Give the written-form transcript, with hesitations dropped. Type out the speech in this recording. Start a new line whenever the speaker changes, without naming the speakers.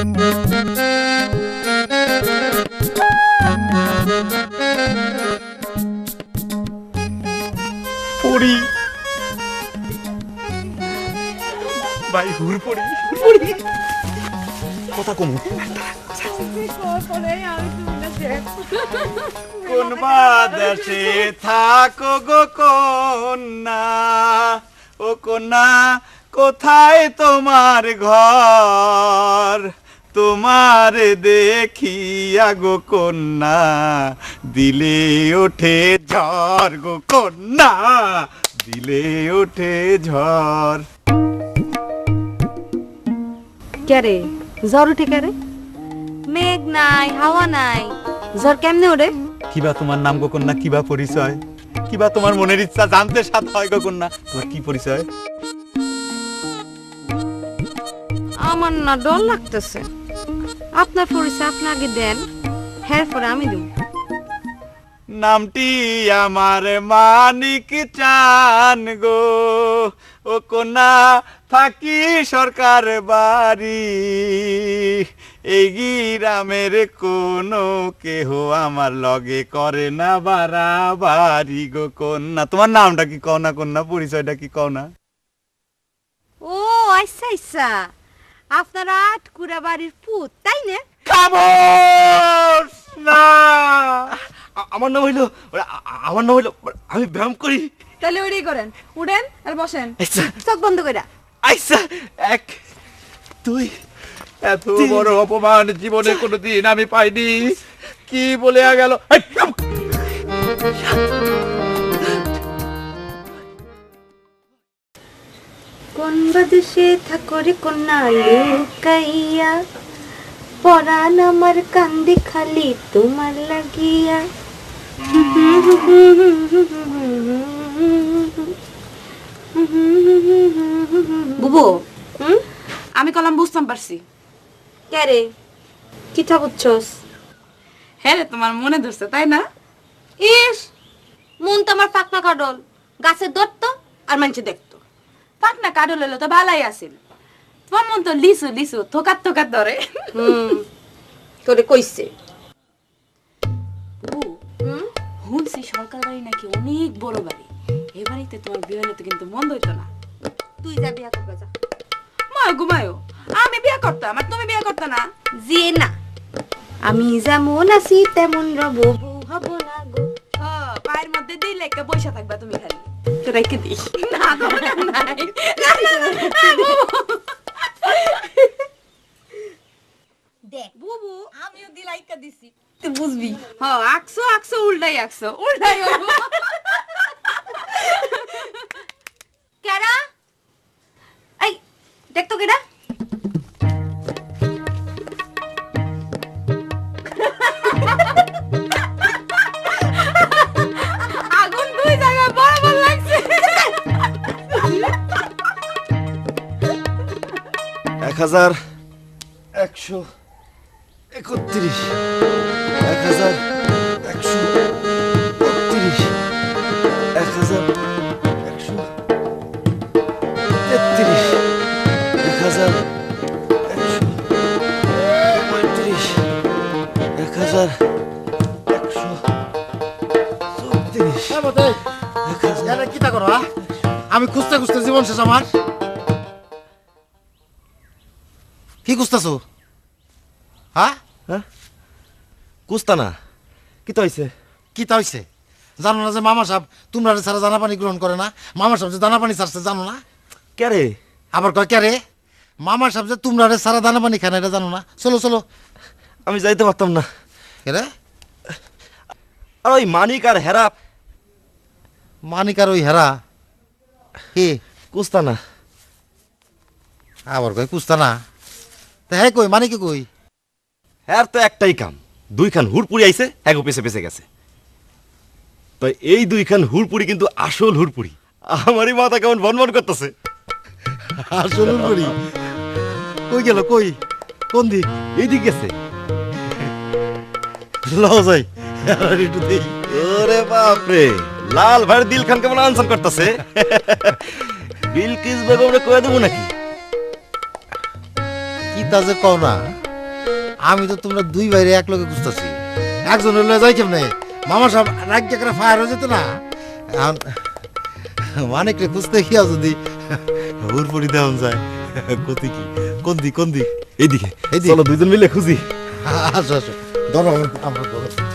পড়ি ভাই হুর পড়ি কথা কমু কোন বাদেশে থাকো গো কন্যা ও কন্যা কোথায় তোমার ঘর তোমার দেখিয়া গো কন্যা দিলে ওঠে ঝড় গো কন্যা দিলে ওঠে ঝড়
ক্যারে জ্বর উঠে ক্যারে?
মেঘ নাই, হাওয়া নাই,
জ্বর কেমনে ওরে?
কিবা তোমার নাম গো কন্যা কিবা পরিচয় কিবা তোমার মনের ইচ্ছা জানতে সাথ হয় গো কন্যা তোমার কি পরিচয়?
আমার না ডর লাগতেছে। আপনার পরিচয় আপনি আগে দেন, হ্যাঁ পরে আমি দেব।
নামটি আমার মানিক চান গো ও কন্যা থাকি সরকার বাড়ি এই গ্রামের কোনো কেহ আমার লগে করে না বাড়াবাড়ি গো কন্যা তোমার নামটা কি কও না কন্যা পরিচয়টা কি কও না?
ও আচ্ছা আচ্ছা, আপনারা আটকুড়া বাড়ির পুত তাই না?
খামোশ না
আমার নাম হইলো আমি ব্যায়াম করি।
তাহলে ওইটাই করেন, উঠেন আর বসেন,
আচ্ছা
চোখ বন্ধ কইরা।
আচ্ছা, এক দুই
এত বড় অপমান জীবনে কোনোদিন আমি পাইনি কি বলে গেল
কোন বাদেশে থাকো রে কন্যা লুকাইয়া, পরাণ আমার কান্দে খালি তোমার লাগিয়া।
বুবু আমি কলম বুঝতাম পারছি।
কে রে কিথা বুঝছস?
হ্যাঁ রে, তোমার মনে ধরছে তাই না?
ইস, মন তো আমার পাকনা কাডল, গাছে ধরতো আর মানুষে দেখতো।
পাকনা কাডল হলো তো ভালাই আছিল, তোমার মন তো লিসু লিসু থোকাত থোকাত ধরে।
তোরে কইছে
বুবু শুনছি সরকার বাড়ি নাকি অনেক বড় বাড়ি, এ বাড়িতে তোমার বিয়ে হলে তো কিন্তু মন্দ হইতো না।
তুই যা বিয়া করবা যা।
মায় ঘুমায়ো, আমি বিয়ে করতাম আর তুমি বিয়ে করতে না।
যে না, আমি যেমন আছি তেমন রব, বউ হব না গো।
পায়ের মধ্যে দিলে একটা পয়সা থাকবা তুমি খালি।
রেখে দিস
না গো, নাই। না, না, না,
দেখ
বুবু
আমিও দিলাইকা দিছি,
তুই বুঝবি। আকছো আকছো উল্টাই আকছো উল্টাই হইবো।
কেডা? এই দেখ তো কেডা?
আগুন দুই জায়গায় বরাবর লাগছে।
1131 1131
আমি খুঁজতে খুঁজতে জীবন শেষ আমার। কি খুঁজতেছো? হ্যাঁ
কুস্তা না কি তো হইছে?
কি তা হইছে? জানো না যে মামা সাহেব তোমরা ছাড়া দানা পানি গ্রহণ করে না? মামা সাহেব যে দানা পানি ছাড়ছে জানো না?
কে রে?
আবার কয় কে রে? মামা সাহেব যে তোমরা ছাড়া দানা পানি খায় না এটা জানো না? চলো চলো।
আমি যাইতে পারতাম না।
কে রে?
আর ওই মানিক আর হেরা
মানিক আর ওই হেরা কি
কুস্তা না।
আবার কয় কুস্তা না? তা হ্যাঁ কই মানিকে কই?
হ্যার তো একটাই কাম, দুইখান হুড়পুরি আইছে এগো পেছে পেছে গেছে। তো এই দুইখান হুড়পুরি কিন্তু আসল হুড়পুরি। আমারই মাথা কেমন বনবন করতেছে।
আসলে করি কই গেল কই কোন দিক?
এইদিক গেছে।
লও যাই আর একটু দেই।
ওরে বাপরে, লাল ভাইয়ের দিল খান কেমন আনসান করতেছে। বিলকিস বেগমরে কয়ে দেবো নাকি?
কি তা যে কও না, আমি তো তোমরা দুই বাইরে এক লোকে খুঁজতেছি, একজন হলে যাই কেমনে? মামা সাহেব রাজ্য করে ফায়ার হয়ে যেত না। এখন মানিকরে খুঁজতে গিয়া যদি হুরপুরি দেওয়া যায়, কতি কি কোন দিক
এইদিকে
এইদিকে?
চলো দুইজন মিলে খুঁজি।
আসো আসো, ধরো আমরা ধরো।